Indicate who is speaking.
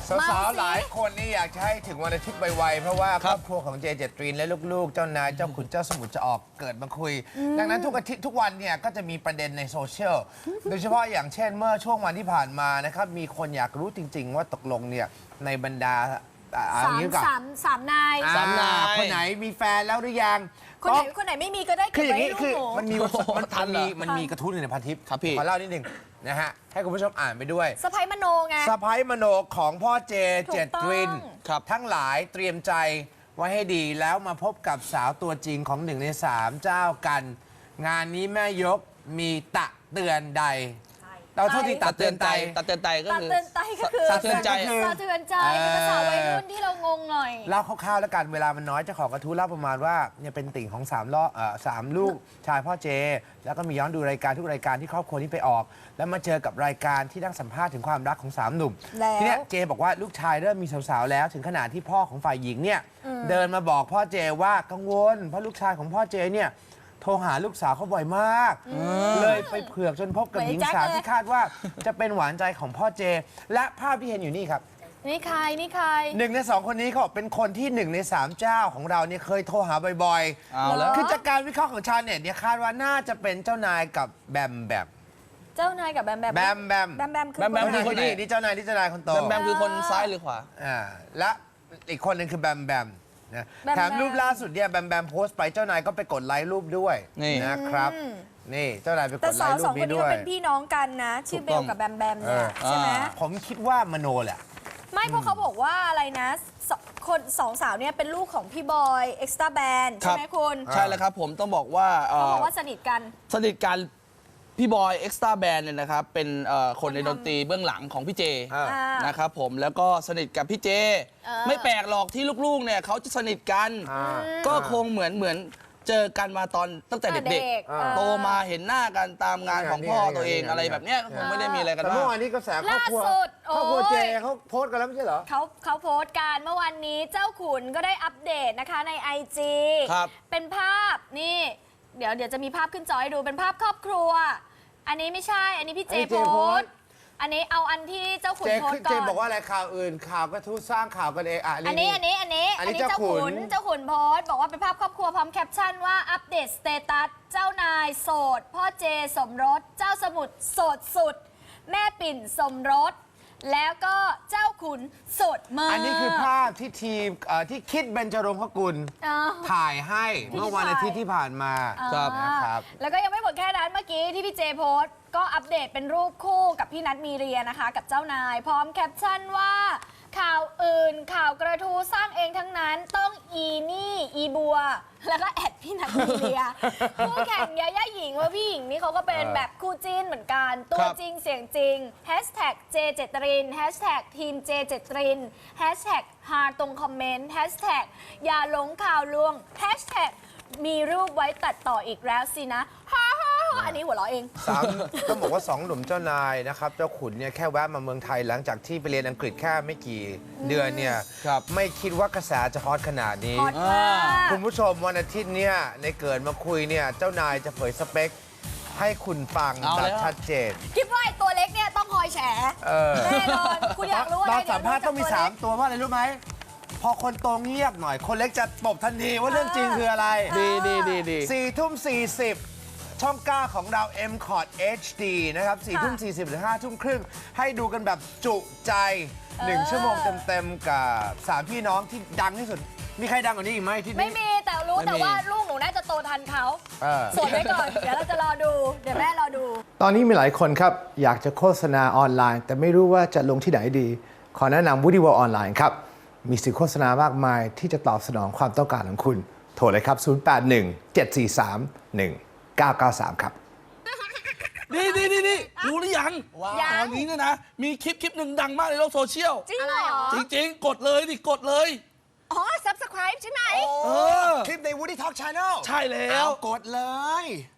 Speaker 1: สาวๆหลายคนนี่อยากจะให้ถึงวันอาทิตย์ไวๆเพราะว่าครอบครัวของเจเจตรินและลูกๆเจ้านายเจ้าขุนเจ้าสมุทรจะออกเกิดมาคุย ดังนั้นทุกอาทิตย์ทุกวันเนี่ยก็จะมีประเด็นในโซเชียลโดยเฉพาะอย่างเช่นเมื่อช่วงวันที่ผ่านมานะครับมีคนอยากรู้จริงๆว่าตกลงเนี่ยในบรรดา
Speaker 2: สามนาย
Speaker 1: คนไหนมีแฟนแล้วหรือยัง
Speaker 2: คนไหนไม่มีก็ได้คืออย่างนี้คือ
Speaker 1: มันมีกระทู้หนึ่งในพันทิป
Speaker 3: ครับพี่
Speaker 1: ขอเล่านิดนึงนะฮะให้คุณผู้ชมอ่านไปด้วย
Speaker 2: สะพ้ายมโนไง
Speaker 1: สะพ้ายมโนของพ่อเจเจตรินทั้งหลายเตรียมใจไว้ให้ดีแล้วมาพบกับสาวตัวจริงของ1 ใน 3เจ้ากัน งานนี้แม่ยกมีตะเตือนใดเราโทษทีตัดเตือนใจ
Speaker 3: ตัดเตือนใจก็คือ
Speaker 2: ตัดเตือนใจก็คือ
Speaker 3: ตัดเตือนใจ
Speaker 2: ตัดเตือนใจเป็นภาษาวัยรุ่นที่เรางงหน่อย
Speaker 1: เล่าคร่าวๆแล้วกันเวลามันน้อยเจ้าของกระทู้เล่าประมาณว่าเนี่ยเป็นติ่งของ3 ลูกชายพ่อเจแล้วก็มีย้อนดูรายการทุกรายการที่ครอบครัวนี้ไปออกแล้วมาเจอกับรายการที่นั่งสัมภาษณ์ถึงความรักของ3 หนุ่มทีนี้เจบอกว่าลูกชายเริ่มมีสาวๆแล้วถึงขนาดที่พ่อของฝ่ายหญิงเนี่ยเดินมาบอกพ่อเจว่ากังวลเพราะลูกชายของพ่อเจเนี่ยโทรหาลูกสาวเขาบ่อยมากเลยไปเผือกจนพบกับหญิงสาวที่คาดว่าจะเป็นหวานใจของพ่อเจและภาพที่เห็นอยู่นี่ครับ
Speaker 2: นี่ใคร
Speaker 1: 1 ใน 2คนนี้เขาเป็นคนที่1 ใน 3เจ้าของเราเนี่ยเคยโทรหาบ่อยๆคือจากการวิเคราะห์ของชาวเน็ตเนี่ยคาดว่าน่าจะเป็นเจ้านายกับแบม
Speaker 2: เจ้านายกับแบมคือ
Speaker 1: คนนี้นี่เจ้านายคนโต
Speaker 3: แบมคือคนซ้ายหรือขวา
Speaker 1: และอีกคนหนึ่งคือแบมนะแถมรูปล่าสุดเนี่ยแบมโพสต์ไปเจ้านายก็ไปกดไลค์รูปด้วยนะครับนี่เจ้านายไปกดไลค์รูปนี้ด้วย
Speaker 2: แต่2 คนนี้เป็นพี่น้องกันนะชื่อเบลกับแบมเนี่ยใช่ไหม
Speaker 1: ผมคิดว่ามโนแหละ
Speaker 2: ไม่เพราะเขาบอกว่าอะไรนะคน2 สาวเนี่ยเป็นลูกของพี่บอยเอ็กซ์ตร้าแบนใช่ไหมคุณ
Speaker 3: ใช่แล้วครับผมต้องบอกว่า
Speaker 2: เขาบอกว่าสนิทกัน
Speaker 3: พี่บอยเอ็กซ์ตร้าแบนเนี่ยนะครับเป็นคนในดนตรีเบื้องหลังของพี่เจนะครับผมแล้วก็สนิทกับพี่เจไม่แปลกหรอกที่ลูกๆเนี่ยเขาจะสนิทกันก็คงเหมือนเจอกันมาตั้งแต่เด็กๆโตมาเห็นหน้ากันตามงานของพ่อตัวเองอะไรแบบเนี้ยคงไม่ได้มีอะไรกัน
Speaker 1: แต่เมื่อวานนี้กระแสครอบครัวเจเขาโพสต์กันแล้วไม่ใช่เหรอ
Speaker 2: เขาโพสต์กันเมื่อวันนี้เจ้าขุนก็ได้อัปเดตนะคะใน IG เป็นภาพนี่เดี๋ยวจะมีภาพขึ้นจอให้ดูเป็นภาพครอบครัวอันนี้ไม่ใช่อันนี้พี่เจโพสต์อันนี้เอาอันที่เจ้าขุนโพสต์ก่อน
Speaker 1: เจบอกว่าอะไรข่าวอื่นข่าวกระทู้สร้างข่าวกันเอง
Speaker 2: อันนี้เจ้าขุนโพสต์บอกว่าเป็นภาพครอบครัวพร้อมแคปชั่นว่าอัปเดตสเตตัสเจ้านายโสดพ่อเจสมรสเจ้าสมุทรโสดสุดแม่ปิ่นสมรสแล้วก็เจ้าขุนโสดมาก
Speaker 1: อันนี้คือภาพที่ทีมที่คิดเบญจรงคกุลถ่ายให้เมื่อวันอาทิตย์ที่ผ่านมา
Speaker 2: นะครับแล้วก็ยังไม่หมดแค่นั้นเมื่อกี้ที่พี่เจโพสต์ก็อัปเดตเป็นรูปคู่กับพี่นัทมีเรียนะคะกับเจ้านายพร้อมแคปชั่นว่าข่าวอื่นข่าวกระทู้สร้างเองทั้งนั้นต้องอีบัวแล้วก็แอดพี่นัทมีเรียคู่แข่งยาย่าหญิงว่าพี่หญิงนี่เขาก็เป็นแบบคู่จิ้นเหมือนกันตัวจริงเสียงจริงแฮชแท็กเจเจตรินแฮชแท็กทีมเจเจตรินแฮชแท็กฮาตรงคอมเมนต์แฮชแท็กอย่าหลงข่าวลวงแฮชแท็กมีรูปไว้ตัดต่ออีกแล้วสินะอันนี้หัวเราะเอง
Speaker 1: ต้องบอกว่า2 หนุ่มเจ้านายนะครับเจ้าขุนเนี่ยแค่แวะมาเมืองไทยหลังจากที่ไปเรียนอังกฤษแค่ไม่กี่เดือนเนี่ยไม่คิดว่ากระแสจะฮอตขนาดนี้คุณผู้ชมวันอาทิตย์เนี่ยในเกิดมาคุยเนี่ยเจ้านายจะเผยสเปคให้คุณฟังแบบชัดเจน
Speaker 2: คิดว่าไอ้ตัวเล็กเนี่ยต้องคอยแฉแน่นอนคุณอยากรู้อะไร
Speaker 1: ตอนสัมภาษณ์ต้องมี3 ตัวเพราะอะไรรู้ไหมพอคนโตเงียบหน่อยคนเล็กจะตบทันทีว่าเรื่องจริงคืออะไร
Speaker 3: ดี
Speaker 1: 4 ทุ่ม 40ช่อง 9 ของเรา M-Cot HD นะครับ4 ทุ่ม 40 หรือ 5 ทุ่มครึ่งให้ดูกันแบบจุใจ1 ชั่วโมงเต็มๆกับ3 พี่น้องที่ดังที่สุดมีใครดังกว่านี้อีกไหมที่นี่
Speaker 2: ไม่มีแต่รู้แต่ว่าลูกหนูน่าจะโตทันเขาสวดไว้ก่อนเดี๋ยวเราจะรอดูเดี๋ยวแม่รอดู
Speaker 1: ตอนนี้มีหลายคนครับอยากจะโฆษณาออนไลน์แต่ไม่รู้ว่าจะลงที่ไหนดีขอแนะนำ Woody World ออนไลน์ครับมีสื่อโฆษณามากมายที่จะตอบสนองความต้องการของคุณโทรเลยครับ0817431993ครับ
Speaker 3: ดีรู้หรือยังตอนนี้เนี่ยนะมีคลิปหนึ่งดังมากในโลกโซเชียล
Speaker 2: จริงเหรอ
Speaker 3: จริงกดเลยกดเลย
Speaker 2: อ๋อ subscribe ใช่ไหม
Speaker 1: คลิปใน Woody Talk Channel
Speaker 3: ใช่แล้ว
Speaker 1: กดเลย